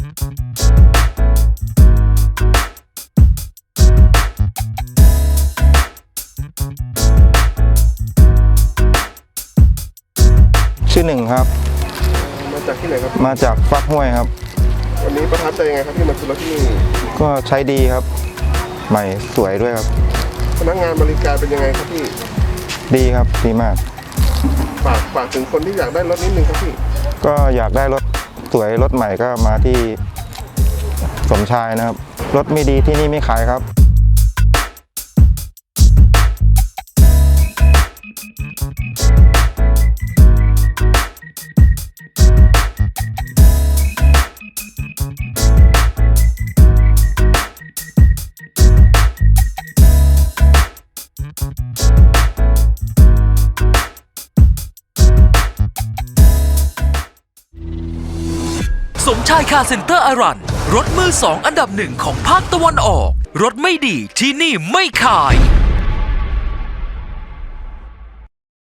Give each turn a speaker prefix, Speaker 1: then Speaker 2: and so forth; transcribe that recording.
Speaker 1: ชื่อหนึ่งครับ
Speaker 2: มาจากที่ไหนครับ
Speaker 1: มาจากฟักห้วยครับ
Speaker 2: วันนี้ประทับใจยังไงครับที่มาซื้อรถที่นี่
Speaker 1: ก็ใช้ดีครับใหม่สวยด้วยครับ
Speaker 2: พนักงานบริการเป็นยังไงครับพี่
Speaker 1: ดีครับดีมาก
Speaker 2: ฝากถึงคนที่อยากได้รถนิดนึงครับพี่
Speaker 1: ก็อยากได้รถสวยรถใหม่ก็มาที่สมชายนะครับรถไม่ดีที่นี่ไม่ขายครับ
Speaker 3: สมชายคาร์เซ็นเตอร์อารันรถมือสองอันดับหนึ่งของภาคตะวันออกรถไม่ดีที่นี่ไม่ขาย